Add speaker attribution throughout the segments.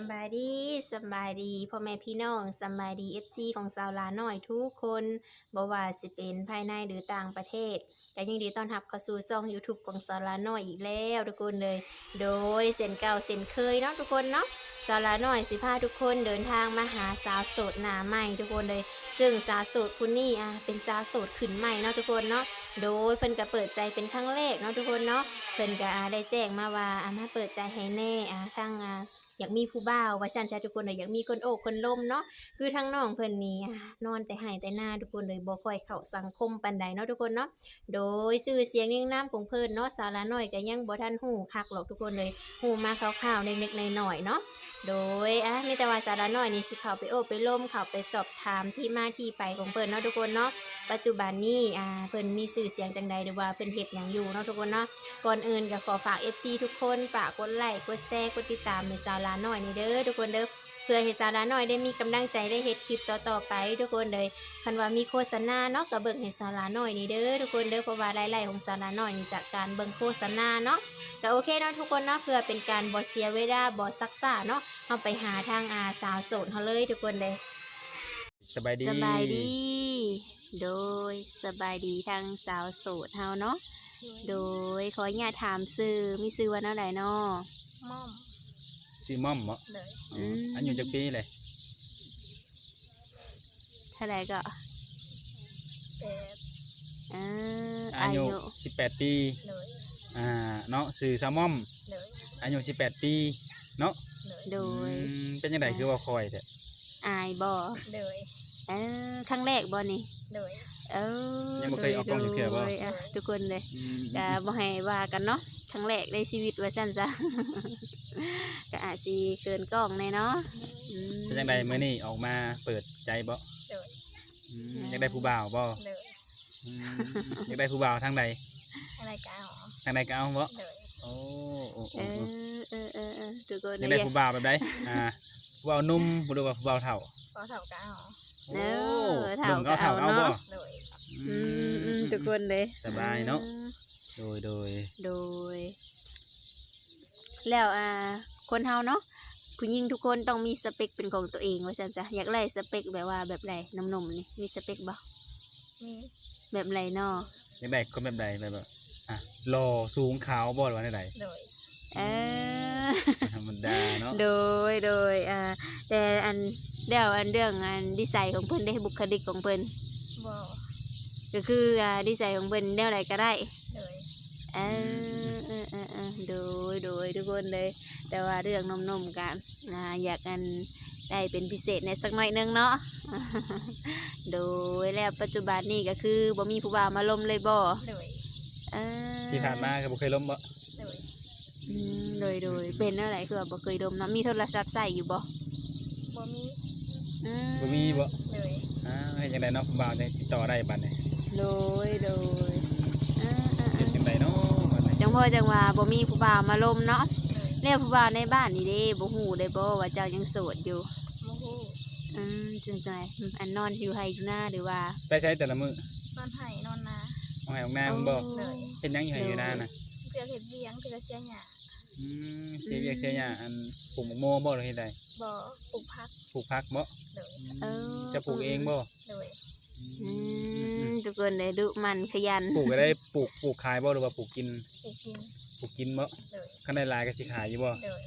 Speaker 1: ำบายดีสำบายดีพ่อแม่พี่น้องสำบายดี FC ของสาวลาน้อยทุกคนบ่ว่าสิเป็นภายในหรือต่างประเทศก็ยินดีต้อนรับเข้าสู่ช่อง YouTube ของสาวลาน้อยอีกแล้วทุกคนเลยโดยเส้นเก่าเส้นเคยเนาะทุกคนเนาะสาวลาน้อยสิพาทุกคนเดินทางมาหาสาวโสดหน้าใหม่ทุกคนเลยซึ่งสาวโสดผู้นี้เป็นสาวโสดขึ้นใหม่เนาะทุกคนเนาะโดยเพิ่นก็เปิดใจเป็นครั้งแรกเนาะทุกคนเนาะเพิ่นก็ได้แจ้งมาว่ามาเปิดใจให้แน่ทางอยากมีผู้บ่าวว่าซั่นจ้ะทุกคนอยากมีคนโอบคนล้มเนาะคือทางน้องเพิ่นนี่นอนแต่ไห้แต่หน้าทุกคนเลยบ่ค่อยเข้าสังคมปานใดเนาะทุกคนเนาะโดยชื่อเสียงเรียงนามของเพิ่นเนาะสาวละน้อยก็ยังบ่ทันฮู้คักหรอกทุกคนเลยฮู้มาคร่าวๆเล็กๆน้อยๆเนาะโดยมีแต่ว่าสาวละน้อยนี่สิเข้าไปโอบไปล้มเข้าไปสอบถามที่มาที่ไปของเพิ่นเนาะทุกคนเนาะปัจจุบันนี้เพิ่นมีชื่อเสียงจังใดหรือว่าเพิ่นเฮ็ดหยังอยู่เนาะทุกคนเนาะก่อนอื่นก็ขอฝาก FC ทุกคนฝากกดไลค์กดแชร์กดติดตามให้สาวละน้อยนี่เด้อทุกคนเด้อเพื่อให้สาวละน้อยได้มีกำลังใจได้เฮ็ดคลิปต่อๆไปทุกคนเลยคันว่ามีโฆษณาเนาะก็เบิ่งให้สาวละน้อยนี่เด้อทุกคนเด้อเพราะว่ารายได้ของสาวละน้อยนี่จากการเบิ่งโฆษณาเนาะก็โอเคเนาะทุกคนเนาะเพื่อเป็นการบ่เสียเวลาบ่ซักซ่าเนาะเฮาไปหาทางสาวโสดเฮาเลยทุกคนเลย
Speaker 2: สบายดี
Speaker 1: สบายดี โดยสบายดีทางสาวโสดเฮาเนาะโดยขออนุญาตถามชื่อมีชื่อว่าแนวใดเนาะ
Speaker 3: ม่อม
Speaker 2: ชื่อม่อมเหรอ
Speaker 3: เลย
Speaker 2: อายุจักปีเลย
Speaker 1: เท่าไหร่ก็
Speaker 3: แต่
Speaker 1: อายุ
Speaker 2: 18 ปี
Speaker 3: เลย
Speaker 2: เนาะชื่อซาม่อม
Speaker 3: เลย
Speaker 2: อายุ18 ปีเนาะ
Speaker 3: เลย
Speaker 1: โดย
Speaker 2: เป็นจังไดคือว่าคอยแท้
Speaker 1: อายบ่
Speaker 3: เลย
Speaker 1: ครั้งแรกบ่นี่
Speaker 3: เลย
Speaker 2: ยังบ่เคยออกกล้องจักเทื่อบ่
Speaker 1: ทุกคนเลยก็บ่ให้ว่ากันเนาะครั้งแรกในชีวิตว่าซั่นซะ ก็อาจสิเกินกล้องแน่เนาะ
Speaker 2: เป็นจังไดมื้อนี้ออกมาเปิดใจบ่
Speaker 3: เลย
Speaker 2: อยากได้ผู้บ่าวบ่
Speaker 3: เลย
Speaker 2: อยากได้ผู้บ่าวทางใด
Speaker 3: อะไรกันหรอ
Speaker 2: ทางใดก็เอาบ่
Speaker 3: เลย
Speaker 2: โอ้
Speaker 1: ทุกคน
Speaker 2: อยากได้ผู้บ่าวแบบใดผู้บ่าวหนุ่มหรือว่าผู้บ่าวเฒ่า
Speaker 3: พอเท่ากันหรอ
Speaker 1: เฒ่าก็เอา
Speaker 2: บ่
Speaker 3: เลย
Speaker 1: ทุกคนเลย
Speaker 2: สบายเนาะโดย
Speaker 1: แล้วคนเฮาเนาะผู้หญิงทุกคนต้องมีสเปคเป็นของตัวเองว่าซั่นจ้ะอยากได้สเปคแบบว่าแบบไรหนุ่มๆนี่มีสเปคบ่
Speaker 3: มี
Speaker 1: แบบไรเนาะ
Speaker 2: อยากได้คนแบบใดแบบหล่อสูงขาวบ่หรือว่าใด
Speaker 3: เลย
Speaker 2: ธรรมดาเนาะ
Speaker 1: โดยแต่เรื่องดีไซน์ของเพิ่นได้บุคลิกของเพิ่น
Speaker 3: บ่
Speaker 1: ก็คือดีไซน์ของเพิ่นแนวใดก็ได้
Speaker 3: เลย
Speaker 1: โดยทุกคนเลยแต่ว่าเรื่องนมๆกันอยากได้เป็นพิเศษในสักหน่อยนึงเนาะ โดยแล้วปัจจุบันนี้ก็คือบ่มีผู้บ่าวมาล้มเลยบ่
Speaker 3: เลย
Speaker 2: ที่ผ่านมาก็บ่เคยล้มบ่
Speaker 3: เลย
Speaker 1: โดยเป็นอะไรคือบ่เคยดมเนาะมีโทรศัพท์ใส่อยู่บ่
Speaker 3: บ่มี
Speaker 2: บ่
Speaker 3: เลย
Speaker 2: ให้จังไดเนาะผู้บ่าวจะติดต่อได้บัดนี้
Speaker 1: โดย
Speaker 2: เป็นจังไดเนาะ
Speaker 1: จังพ่อจังว่าบ่มีผู้บ่าวมาล้มเนาะแล้วผู้บ่าวในบ้านนี่เด้บ่ฮู้ได้บ่ว่าเจ้ายังโสดอยู่
Speaker 3: บ่ฮู้
Speaker 1: จังไดนอนอยู่ไห้อยู่หน้าหรือว่า
Speaker 2: ไปใช้แต่ละมื้อน
Speaker 3: อนไห้นอนนา
Speaker 2: เอาไห้ออกหน้ามึงบ่เฮ็ดหยังอยู่ไห้อยู่หน้าน่ะ
Speaker 3: เพื่อเฮ็ดเวียงเพื่อเสียหญ้า
Speaker 2: เสียเวียกเสียหญ้าปลูกมะม่วงบ่หรือเฮ็ดใด
Speaker 3: บ่ปลูกผัก
Speaker 2: บ่จะปลูกเองบ่
Speaker 3: เลย
Speaker 1: ทุกคนได้ดุมันขยัน
Speaker 2: ปลูกก็ได้ปลูกขายบ่หรือว่าปลูกกินปลูกกินบ่
Speaker 3: เลย
Speaker 2: คันได้หลายก็สิขายอยู่บ่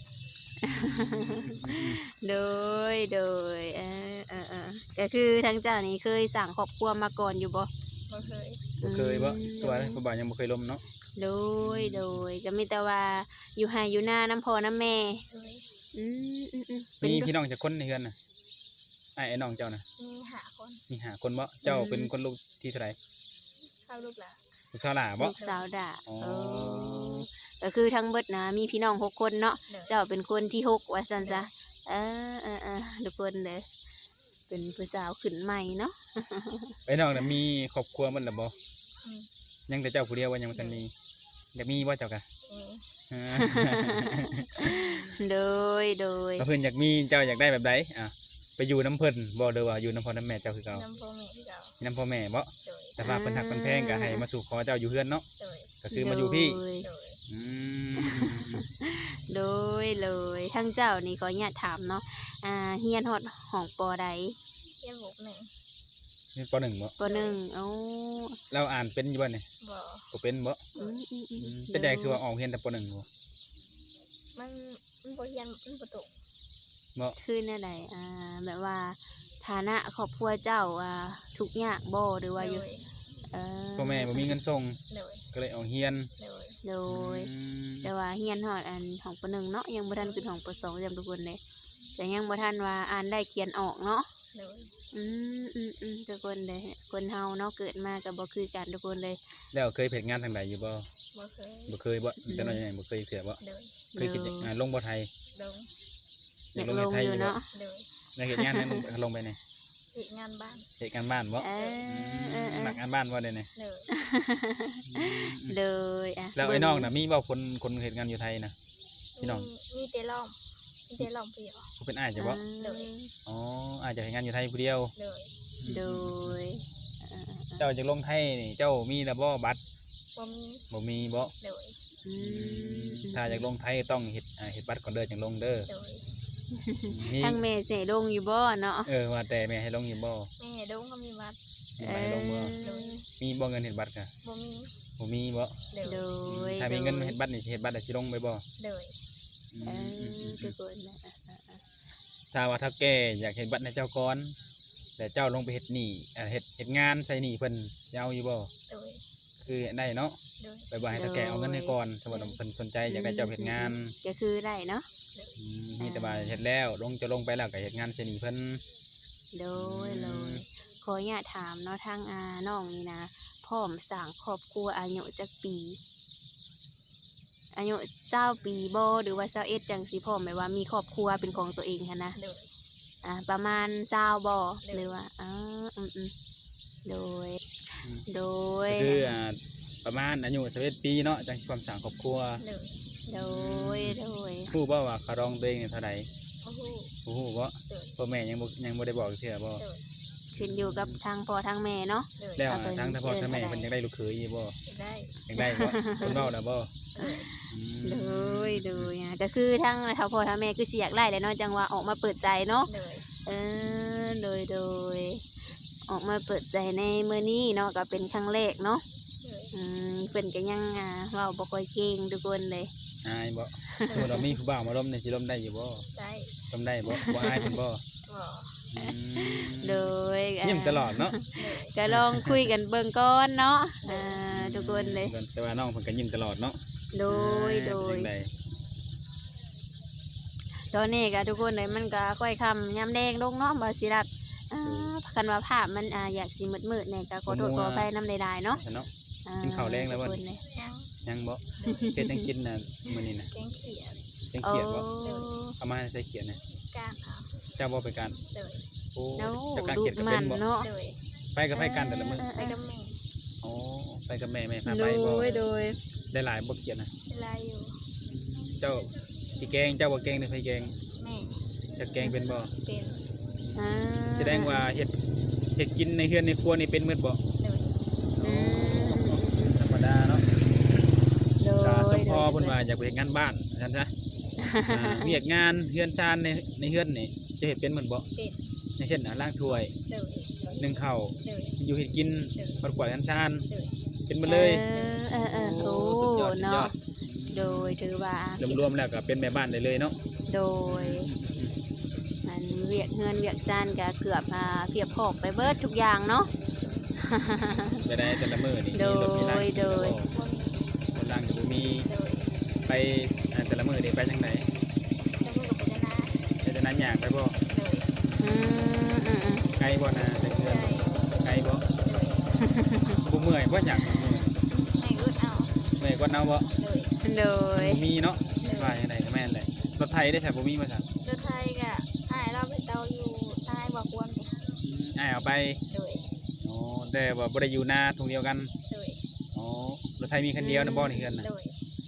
Speaker 1: โดยก็คือทั้งเจ้านี่เคยสั่งครอบครัวมาก่อนอยู่บ่
Speaker 3: บ่
Speaker 2: เคยบ่ตัวผู้บ่าวยังบ่เคยล้มเนาะ
Speaker 1: โดยก็มีแต่ว่าอยู่ไห้อยู่หน้าน้ำพ่อน้ำแม่
Speaker 2: มีพี่น้องจักคนในเฮือนน่ะไอ้น้องเจ้าน่ะมี5 คนบ่เจ้าเป็นคนลูกที่เท่าไหร่
Speaker 3: ลูกหล่ะ
Speaker 2: ลูกสาวหล่าบ่
Speaker 1: ลูกสาวด่าก็คือทั้งเบิดนะมีพี่น้อง6 คนเนาะเจ้าเป็นคนที่6ว่าซั่นจ้ะทุกคนเลยเป็นผู้สาวขึ้นใหม่เนาะ
Speaker 2: ไอ้น้องน่ะมีครอบครัวมันล่ะบ่ยังแต่เจ้าผู้เดียวว่ายังบ่ทันมีอยากมีบ่เจ้ากะ
Speaker 1: โดย
Speaker 2: เพิ่นอยากมีเจ้าอยากได้แบบใดไปอยู่น้ำเพิ่นบ่หรือว่าอยู่น้ำพ่อน้ำแม่เจ้าคือเก่า
Speaker 3: น้ำพ่อแม่คือเก่า
Speaker 2: น้ำพ่อแม่บ่แต่ว่าเพิ่นหักเพิ่นแพงก็ให้มาสู่ขอเจ้าอยู่เฮือนเนาะก็คือมาอยู่พี่
Speaker 1: โดเลยทั้งเจ้านี่ขออนุญาตถามเนาะเฮียนฮอดห้องปอใด
Speaker 3: เรียนบุกหนึ่ง
Speaker 2: นี่ป .1 บ่
Speaker 1: ปหนึ่งเอ้า
Speaker 2: เราอ่านเป็นอยู่บ่นี่
Speaker 3: บ่
Speaker 2: บ่เป็นบ่ เป็นได้คือว่าออกเรียนแต่ป .1 บ่
Speaker 3: มันบ่เรียนมันบ่ตก
Speaker 2: บ่
Speaker 1: คือแนวใดแบบว่าฐานะครอบครัวเจ้าทุกข์ยากบ่หรือว่าอยู่
Speaker 3: เลย
Speaker 2: พ่อแม่บ่มีเงินส่ง
Speaker 3: เลย
Speaker 2: ก็เลยออกเรียน
Speaker 3: เลย
Speaker 1: โดย
Speaker 2: อืม
Speaker 1: แต่ว่าเฮียนฮอดห้องปหนึ่งเนาะยังบ่ทันขึ้นห้องปสองจำทุกคนเลยแต่ยังบ่ทันว่าอ่านได้เขียนออกเนาะ
Speaker 3: เลย
Speaker 1: ทุกคนเลยคนเฮาเนาะเกิดมาก็บ่คือกันทุกคนเลย
Speaker 2: แล้วเคยเฮ็ดงานทางใดอยู่บ่
Speaker 3: บ่เคย
Speaker 2: บ่เคยบ่แต่น้อยใหญ่บ่เคยเถื่อบ่
Speaker 3: เลย
Speaker 2: เคยคิดลงบ่ไทย
Speaker 3: ลง
Speaker 1: อยากลงอยู่เนาะ
Speaker 3: เลย
Speaker 2: อยากเฮ็ดงานนั้นลงไปนี่
Speaker 3: อีกงานบ้าน
Speaker 2: เฮ็ดการบ้านบ่ หนักงานบ้านบ่ได้นี่
Speaker 3: เลย
Speaker 1: เลย
Speaker 2: แล้วไอ้น้องน่ะมีบ่คนเฮ็ดงานอยู่ไทยนะ พี่น้อง
Speaker 3: มีแต่ล้อมมีแต่ล้อมเปรียว
Speaker 2: ผู้เป็นอ้ายใช่บ่
Speaker 3: เลย
Speaker 2: อ๋ออาจจะเฮ็ดงานอยู่ไทยผู้เดียว
Speaker 3: เลย
Speaker 1: โดย
Speaker 2: เจ้าจะลงไทยนี่เจ้ามีแล้วบ่บัตร
Speaker 3: บ่มี
Speaker 2: บ่มีบ่
Speaker 3: เลย
Speaker 2: ถ้าอยากลงไทยต้องเฮ็ดบัตรก่อนเด้อจังลงเด้อ
Speaker 3: เลย
Speaker 2: มี
Speaker 1: ทั้งแม่เสลงอยู่บ่เนาะ
Speaker 2: ว่าแต่แม่ให้ลงอยู่บ่
Speaker 3: แม่ดงก็มีวัด
Speaker 2: มีบ่ให้ลงบ่
Speaker 3: เลย
Speaker 2: มีบ่เงินเฮ็ดบัตรกะ
Speaker 3: บ่มี
Speaker 2: บ่มีบ่
Speaker 3: เลย
Speaker 1: โดย
Speaker 2: ถ้ามีเงินเฮ็ดบัตรนี่สิเฮ็ดบัตรได้สิลงไปบ่
Speaker 3: เลย
Speaker 1: ทุกคน
Speaker 2: ถ้าว่าถ้าแก่อยากเฮ็ดบัตรให้เจ้าก่อนแต่เจ้าลงไปเฮ็ดหนี้เฮ็ดงานใส่หนี้เพิ่นสิเอาอยู่บ่
Speaker 3: เลย
Speaker 2: คือได้เนาะ
Speaker 3: เลย
Speaker 2: ไปบ่ให้ถ้าแก่เอาเงินให้ก่อนสมมุติว่าเพิ่นสนใจอยากได้เจ้าเฮ็ดงาน
Speaker 1: ก็คือได้เนาะ
Speaker 2: นี่แต่ว่าเฮ็ดแล้วจะลงไปแล้วก็เฮ็ดงานใส่หนี้เพิ่น
Speaker 1: โดยขออนุญาตถามเนาะทางน้องนี่นะพร้อมสร้างครอบครัวอายุจักปี อายุ20ปีบ่หรือว่า21จังสิพร้อมแบบว่ามีครอบครัวเป็นของตัวเองหันนะ
Speaker 3: เลย
Speaker 1: ประมาณ20บ่หรือว่าโดย โดย
Speaker 2: ก็คือประมาณอายุ21ปีเนาะจังสิความสร้างครอบครัว
Speaker 3: เลย
Speaker 1: โดย
Speaker 2: รู้บ่ว่าเขารองตัวเองนี่เท่าใด
Speaker 3: โอ้โห
Speaker 2: บ่ฮู้บ่
Speaker 3: เลย
Speaker 2: พ่อแม่ยังบ่ได้บอกเทื่อบ่
Speaker 3: เลย
Speaker 1: ขึ้นอยู่กับทางพ่อทางแม่เนาะ
Speaker 3: เลย
Speaker 2: แล้ว
Speaker 1: เอาไป
Speaker 2: ทางพ่อทางแม่
Speaker 1: เชิญ
Speaker 2: เพิ่นอยากได้ลูกเขยอยู่บ่
Speaker 3: ได้
Speaker 2: อยากได้บ่เพิ่นเว้าแล้วบ่
Speaker 3: เลย
Speaker 2: อืม
Speaker 1: โดยก็คือทางทางพ่อทางแม่คือสิอยากไล่เลยเนาะจังว่าออกมาเปิดใจเนาะ
Speaker 3: เลย
Speaker 1: โดยออกมาเปิดใจในมื้อนี้เนาะก็เป็นครั้งแรกเนาะ
Speaker 3: เลย
Speaker 1: เพิ่นก็ยังเว้าบ่ค่อยเก่งทุกคนเลย
Speaker 2: อายบ่สมมุติว่ามีผู้บ่าวมาล้มนี่สิล้มได้อยู่บ่
Speaker 3: ได้
Speaker 2: ล้มได้บ่บ่อายเพิ่นบ่
Speaker 3: บ่
Speaker 2: อืม
Speaker 1: โดย
Speaker 2: ยิ้มตลอดเนาะ
Speaker 3: เลย
Speaker 1: ก็ลองคุยกันเบิ่งก่อนเนาะทุกคนเลย
Speaker 2: แต่ว่าน้องเพิ่นก็ยิ้มตลอดเนาะ
Speaker 1: โดย
Speaker 2: เป็นจังได
Speaker 1: ตอนนี้ก็ทุกคนเลยมันก็ค่อยคำยำแดงลงเนาะบาสิรัดคันว่าภาพมันอยากสิมืดๆเนี่ยก็ขอโทษขออภัยน้ำใดๆเนาะ
Speaker 2: เนาะ กินข้าวแรงแล้วบ่
Speaker 1: ทุกคนเลย
Speaker 3: ยัง
Speaker 2: ยังบ่เฮ็ดจังกินน่ะมื้อนี้น่ะ
Speaker 3: แกงเขียด
Speaker 2: จังเขียดบ่
Speaker 1: โอ้
Speaker 2: เอามาให้ใส่เขียดน่ะ
Speaker 3: ก้านเอา
Speaker 2: เจ้าบ่ไปกัน
Speaker 3: เลย
Speaker 2: โอ้
Speaker 1: โอ้
Speaker 2: เจ้าการ
Speaker 1: ดู
Speaker 2: เขียดก็
Speaker 1: มั
Speaker 2: เป็น
Speaker 1: น
Speaker 2: บ่
Speaker 1: เนาะ
Speaker 3: เลย
Speaker 2: ไปกับไผกันแต่ละมื้อ
Speaker 3: ไปกับแม่
Speaker 2: โอ้ไปกับแม่พา
Speaker 1: โด
Speaker 2: ไปบ่
Speaker 1: ยโดย
Speaker 2: ได้หลายบ่เขียดน่ะ
Speaker 3: เวลาอยู่
Speaker 2: เจ้าสิแกงเจ้าบ่แกงได้ไผแกง
Speaker 3: แม่
Speaker 2: จะแกงเป็นบ่
Speaker 3: เป็น
Speaker 2: แสดงว่าเฮ็ดกินในเฮือนในครัวนี่เป็นหมดบ่
Speaker 3: เลย
Speaker 2: ธรรมดาเนาะ
Speaker 1: โดย
Speaker 2: ก็สมพอเพิ่นว่าอยากไปเฮ็ดงานบ้านซั่นซะเวียกงานเฮือนชานในเฮือนนี่จะเฮ็ดเป็นหมดบ่
Speaker 3: เป็น
Speaker 2: อย่างเช่นล้างถ้วย
Speaker 3: เลย
Speaker 2: นึ่งข้าว
Speaker 3: เลย
Speaker 2: อยู่เฮ็ดกินปัดกวาดชาน
Speaker 3: เลย
Speaker 2: เป็นหมดเลย
Speaker 1: โอ้
Speaker 2: สุดยอดสุดยอ
Speaker 1: เนาะ
Speaker 2: ด
Speaker 1: โดยถือว่าร
Speaker 2: วมๆแล้วก็เป็นแม่บ้านได้เลยเนาะ
Speaker 1: โดยมันเวียกเงินเวียกซ่านก็เกือบเพียบพอกไปเบิดทุกอย่างเนาะ
Speaker 2: จะได้แต่ละมื้อนี่
Speaker 1: โดย
Speaker 2: มีรถมีล้าง
Speaker 1: โดย
Speaker 3: บ่มี
Speaker 2: คนล้างก็บ่มี
Speaker 3: เลย
Speaker 2: ไปแต่ละมื้อนี่ไปจังได๋
Speaker 3: จะมือกับปัญญา
Speaker 2: ไปแต่นั้นยากไปบ่
Speaker 3: เลย
Speaker 1: อืม
Speaker 2: ไกลบ่นะแต่เฮือน
Speaker 3: ได้
Speaker 2: ไกลบ่
Speaker 3: เลย
Speaker 2: บ่เมื่อยบ่อยากเมื่อย
Speaker 3: ให้อึดเอา
Speaker 2: เมื่อยกว่าเนาบ่
Speaker 3: เลย
Speaker 1: โดย
Speaker 2: บ่มีเนาะว่าจังไดก็แม่นแหละรถไทยได้ใช่บ่มีมาซั่น
Speaker 3: รถไทยก็อ้ายเราไปเตาอยู่อ้ายบอกควร
Speaker 2: อ้ายเอาไป
Speaker 3: เลย
Speaker 2: อ๋อแต่ว่าบ่ได้อยู่นาทุ่งเดียวกัน
Speaker 3: เลย
Speaker 2: อ๋อรถไทยมีคันเดียวนะบ่นี่เฮือนน่ะ
Speaker 3: เลย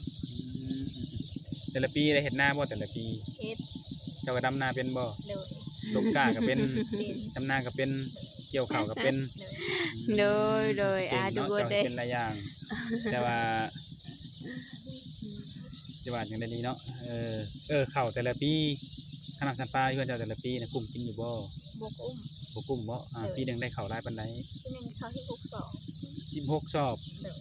Speaker 2: แต่ละปีได้เฮ็ดนาบ่แต่ละปี
Speaker 3: เฮ็ด
Speaker 2: เจ้าก็ดำนาเป็นบ่
Speaker 3: เลย
Speaker 2: ลกกาก็เป็น
Speaker 3: เป็น
Speaker 2: ดำนาก็เป็นเกี่ยวข้าวก็เป็น
Speaker 3: เลย
Speaker 1: โดย
Speaker 2: เก่ง
Speaker 1: ทุก
Speaker 2: เนาะ
Speaker 1: คน
Speaker 2: เจ้า
Speaker 1: เลย
Speaker 2: เป็นหลายอย่าง แต่ว่าจะว่าจังได๋ดีเนาะเข้าแต่ละปีขนาดสันปลาอยู่เจ้าแต่ละปีน่ะกุ้มกินอยู่บ่
Speaker 3: บกอุ้ม
Speaker 2: บ่กุ้มบ่ปีหนึงได้ข้าวหลายปานใด
Speaker 3: ที่หนึ่งเขาที่62
Speaker 2: 16ซอบ
Speaker 3: โดย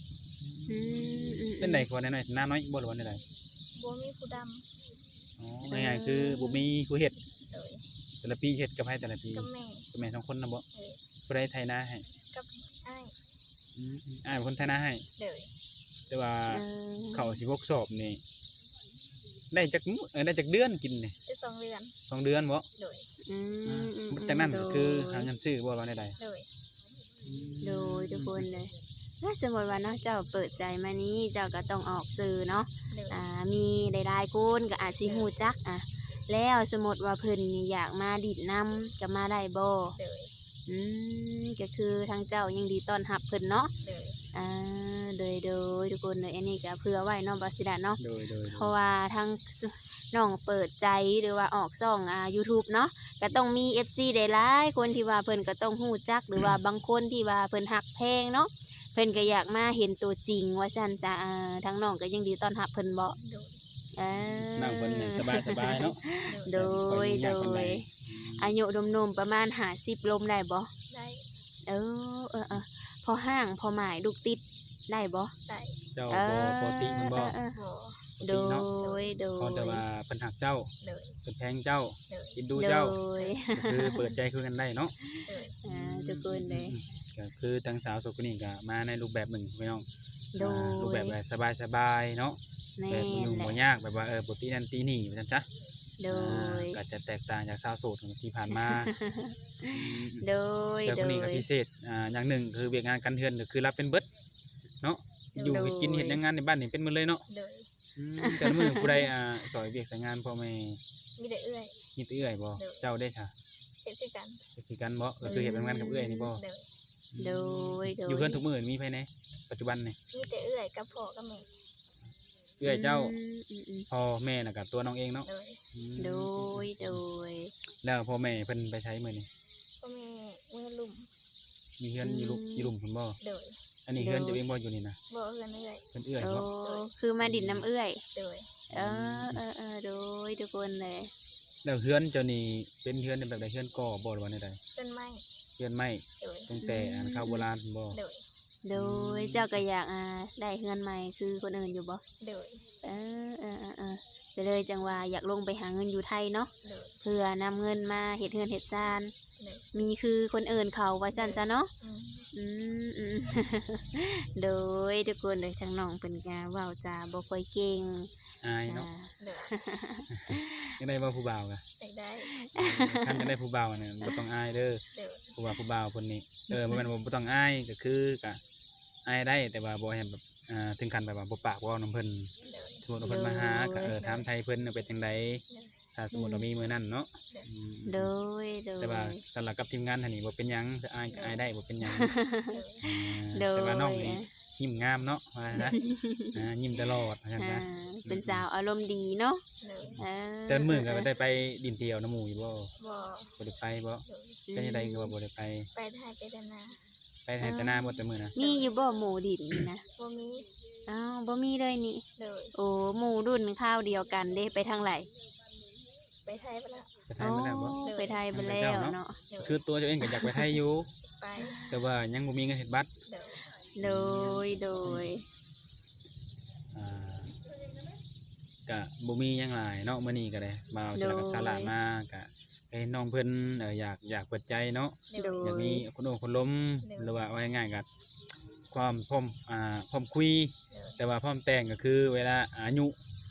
Speaker 2: เป็นไดกว่าน้อยๆหน้าน้อยบ่หรือว่าได
Speaker 3: บ่มีผู้ด
Speaker 2: อ๋อง่ายๆคือบ่มีผู้เฮ็ด
Speaker 3: ำโดย
Speaker 2: แต่ละปีเฮ็ดกับไผแต่ละปี
Speaker 3: กับแม่
Speaker 2: กับแม่2คนน่ะบ่
Speaker 3: เออ
Speaker 2: ผู้ใดไถนาให้
Speaker 3: กับอ้าย
Speaker 2: อ้ายเป็นคนไถนาให้
Speaker 3: โดย
Speaker 2: แต่ว่าข้าว16ซอบนี่ได้จักมื้อได้จักเดือนกินนี่
Speaker 3: ได้2เดือน
Speaker 2: 2 เดือนบ่
Speaker 3: โดย
Speaker 2: จากนั้นก็คือหาเงินซื้อบ่ว่าใด
Speaker 3: โดย
Speaker 1: โดยทุกคนเลยถ้าสมมติว่าเนาะเจ้าเปิดใจมานี้เจ้าก็ต้องออกสื่อเนาะ
Speaker 3: โดย
Speaker 1: มีหลายๆคนก็อาจสิฮู้จักแล้วสมมติว่าเพิ่นนี่อยากมาดิดนำก็มาได้บ่
Speaker 3: โดย
Speaker 1: ก็คือทางเจ้ายังดีต้อนรับเพิ่นเนาะ
Speaker 3: โดย
Speaker 1: โดยทุกคนเลยอันนี้ก็เผื่อไว้เนาะบ่สิดาเนาะ
Speaker 2: โดย
Speaker 1: เพราะว่าทางน้องเปิดใจหรือว่าออกช่องYouTube เนาะก็ต้องมี FC ได้หลายคนที่ว่าเพิ่นก็ต้องฮู้จักหรือว่าบางคนที่ว่าเพิ่นฮักแพงเนาะเพิ่นก็อยากมาเห็นตัวจริงว่าซั่นจ้ะทางน้องก็ยังดีต้อนรับเพิ่นบ่
Speaker 3: โดย
Speaker 2: นั่งเพิ่นนี่สบายๆเนาะ
Speaker 1: โดยอายุหนุ่มๆประมาณ50ลมได้บ่
Speaker 3: ได้
Speaker 1: พอห้างพอหมายลูกติดได้บ่
Speaker 3: ได้
Speaker 2: เจ้าบ่ติมันบ่
Speaker 3: บ่
Speaker 1: โด
Speaker 2: ติเนาะ
Speaker 1: ย
Speaker 2: เขาแต่ว่าเพิ่นฮักเจ้า
Speaker 3: โดย
Speaker 2: เพิ่นแพงเจ้า
Speaker 3: โดย
Speaker 2: กินดู
Speaker 1: โด
Speaker 2: เจ้าย ก็คือเปิดใจคุยกันได้เนาะ
Speaker 3: โดย
Speaker 1: ทุกคนเลย
Speaker 2: ก็คือทั้งสาวโสคนนี้ก็มาในรูปแบบหนึ่งพี่น้อง
Speaker 1: โดย
Speaker 2: รูปแบบสบายๆเนาะ
Speaker 1: แม่
Speaker 2: แบบอยู่
Speaker 1: นแห
Speaker 2: บ่
Speaker 1: ละ
Speaker 2: ยากแบบว่าบ่ตีนั่นตีนี่ว่าซั่นจ้ะ
Speaker 1: โดย
Speaker 2: ก็จะแตกต่างจากสาวโสดที่ผ่านมา
Speaker 1: โดย
Speaker 2: แต่
Speaker 1: โด
Speaker 2: คนนี้
Speaker 1: ย
Speaker 2: ก็พิเศษอย่างหนึ่งคือเวียกงานการเฮือนก็คือรับเป็นเบิดเนาะอยู่เฮ็ดกินเฮ็ดงานในบ้านนี่เป็นหมดเลยเนาะ
Speaker 3: โดย
Speaker 2: แต่ละมื้อผู้ใดซอยเวียกสายงานพ่อแม่
Speaker 3: มีแต่เอื้อย
Speaker 2: มีแต่เอื้อยบ่เจ้าได้ซะ
Speaker 3: เฮ็ดคือกัน
Speaker 2: คือกันบ่ก็คือเฮ็ดงานกับเอื้อยนี่บ่
Speaker 3: โดย
Speaker 1: โดย
Speaker 2: อยู่เพื่อนทุกมื้อมีภายในปัจจุบันนี่
Speaker 3: มีแต่เอื้อยกับพ่อกับแม่
Speaker 2: เอื้อยเจ้าพ่อแม่น่ะกับตัวน้องเองเนาะ
Speaker 3: โดย
Speaker 1: โดย
Speaker 2: แล้วพ่อแม่เพิ่นไปใช้มื้อนี่
Speaker 3: พ่อแม่เมื่อลุ่ม
Speaker 2: มีเฮือนอยู่ลุมเพิ่นบ่
Speaker 3: โดย
Speaker 2: อันนี้เฮือนเจ้าเองบ่อยู่นี่นะ
Speaker 3: บ่เอื้อนเอื้อย
Speaker 2: เพิ่นเอื้อย
Speaker 1: โอ้
Speaker 2: บ่
Speaker 1: คือมาดินน้ำเอื้อย
Speaker 3: โดย
Speaker 1: โดยทุกคนเลย
Speaker 2: แล้วเฮือนเจ้านี่เป็นเฮือนแบบใดเฮือนก่อบ่หรือว่าใด
Speaker 3: เป็นไม้
Speaker 2: เฮือนไม้
Speaker 3: โดย
Speaker 2: ตั้งแต่ข้าวโบราณเพิ่นบ่
Speaker 3: โดย
Speaker 1: โดยเจ้าก็อยากได้เฮือนใหม่คือคนอื่นอยู่บ่
Speaker 3: โดย
Speaker 1: ไปเลยจังว่าอยากลงไปหาเงินอยู่ไทยเนาะ
Speaker 3: โดย
Speaker 1: เพื่อนำเงินมาเฮ็ดเฮือนเฮ็ดซาน
Speaker 3: โดย
Speaker 1: มีคือคนอื่นเขาว่าซั่นจ้ะเนาะ
Speaker 3: อืม
Speaker 1: โดยทุกคนเลยทั้งน้องเป็นกาเว้าจาบ่ค่อยเก่ง
Speaker 2: อายเนาะ
Speaker 3: โดย
Speaker 2: ยังได้บ่ผู้บ่าวกะ
Speaker 3: ได้
Speaker 2: คันจะได้ผู้บ่าวเนี่ยบ่ต้องอายเด้อ
Speaker 3: โดย
Speaker 2: ผู้บ่าวคนนี้บ่แม่นว่าบ่ต้องอายก็คือกะอายได้แต่ว่าบ่ให้แบบถึงขั้นแบบว่าบ่ปากบ่เว้านำเพิ่น
Speaker 3: โดย
Speaker 2: สมมุติว่าเพิ่นมาหาก็ถามไทยเพิ่นเป็นจังไดถ้าสมมุติว่ามีมื้อนั้นเนาะ
Speaker 1: โดย
Speaker 2: แต่ว่าสำหรับกับทีมงานท่านนี้บ่เป็นหยังอายก็อายได้บ่เป็นหยัง
Speaker 1: โดย
Speaker 2: แต่ว่าน้องนี่ยิ้มงามเนาะว่านะยิ้มตลอดว่าซั่นนะ
Speaker 1: เป็นสาวอารมณ์ดีเนาะ
Speaker 3: โดย
Speaker 2: เดินมื้อก็ได้ไปดินเที่ยวน้ำหมู่อยู่บ่
Speaker 3: บ่
Speaker 2: บ่ได้ไปบ่เป็นจังไดก็ว่าบ่ได้ไป
Speaker 3: ไปไทยไปดานา
Speaker 2: ไปให้แต่หน้าบ่แต่มื้อนะ
Speaker 1: มีอยู่บ่หมู่ดินนี่นะ
Speaker 3: บ่มี
Speaker 1: อ้าวบ่มีเลยนี่
Speaker 3: โดย
Speaker 1: โอ้หมู่รุ่นข้าวเดียวกันเด้ไปทางไหน
Speaker 3: ไปไทยไปแล้ว
Speaker 2: ไปไทยมาแล้วบ่
Speaker 1: ไปไทยไปแล้วเนาะ
Speaker 3: โดย
Speaker 2: คือตัวเจ้าเองก็อยากไปไทยอยู่
Speaker 3: ไป
Speaker 2: แต่ว่ายังบ่มีเงินเฮ็ดบัตร
Speaker 3: โดย
Speaker 1: โดย
Speaker 2: อ่าก็บ่มีหยังหลายเนาะมื้อนี้ก็ได้มาเอาสลับกับศาลามาก็ให้น้องเพิ่นอยากเปิดใจเนาะ
Speaker 3: โดย
Speaker 2: อยากมีคนโอ้คนล้มหรือว่าเอาง่ายๆก็ความพร้อมคุย แต่ว่าพร้อมแต่งก็คือเวลาอายุ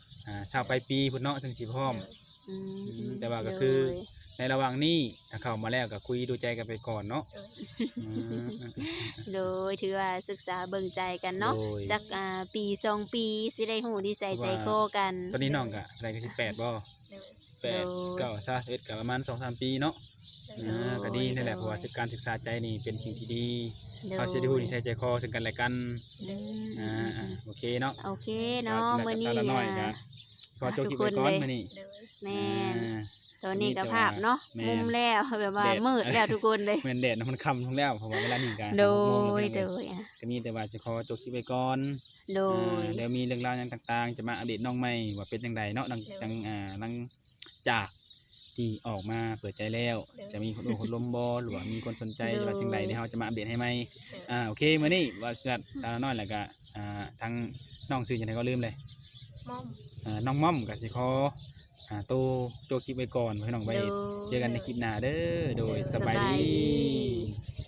Speaker 2: 20ปลายปีพุ่นเนาะถึงสิพร้อม แต่ว่าก็คือ ในระหว่างนี้ถ้าเข้ามาแล้วก็คุยดูใจกันไปก่อนเนาะ
Speaker 1: โดยถือว่าศึกษาเบิ่งใจกันเนาะ
Speaker 2: โดย
Speaker 1: สักปี2ปีสิได้ฮู้นิสัยใจคอกัน
Speaker 2: ตอนนี้น้องก็อะไรก็18บ่
Speaker 3: โดย
Speaker 2: 8 9 21ก็ประมาณ 2-3 ปีเนาะก็ดีนั่นแหละเพราะว่าการศึกษาใจนี่เป็นสิ่งที่ดีเขาสิได้ฮู้นิสัยใจคอซึ่งกันและกันโอเคเนาะ
Speaker 1: โอเคเนาะมื้อนี้
Speaker 2: ก็ขอจบคลิปไว้ก่อนมื้อนี้
Speaker 3: โดย
Speaker 1: แม่นตอนนี้ก็ภาพเนาะ
Speaker 2: แม่น
Speaker 1: มุมแล้วแบบว่า
Speaker 2: แดด
Speaker 1: มืดแล้วทุกคนเลย
Speaker 2: แม่นแดดมันค่ำลงแล้วเพราะว่าเวลานี้ก็
Speaker 1: โด
Speaker 2: 6โมง
Speaker 1: ย
Speaker 2: แล้ว
Speaker 1: โด
Speaker 2: พี่น้อง
Speaker 1: ยอ่ะ
Speaker 2: ก็มีแต่ว่าสิขอจบคลิปไว้ก่อน
Speaker 1: โดย
Speaker 2: เดี๋ยวมีเรื่องราวหยังต่างๆ จะมาอัปเดตน้องใหม่ว่าเป็นจังไดเนาะหลังจากที่ออกมาเปิดใจแล้ว จะมีคนโอ้คนลมบ่หรือว่ามีคนสนใจหรือว่าจังไดเดี๋ยวเราจะมาอัปเดตให้ใหม่โอเคมื้อนี้ว่าสาวน้อยแล้วก็ทางน้องชื่อจังไดก็ลืมเลย
Speaker 3: ม่อม
Speaker 2: น้องม่อมก็สิขอตัวโจคลิปไว้ก่อนให้น้องไป
Speaker 1: โดย
Speaker 2: เจอกันในคลิปหน้าเด้อโดยสบาย
Speaker 1: สบาย
Speaker 2: ดี
Speaker 1: ดี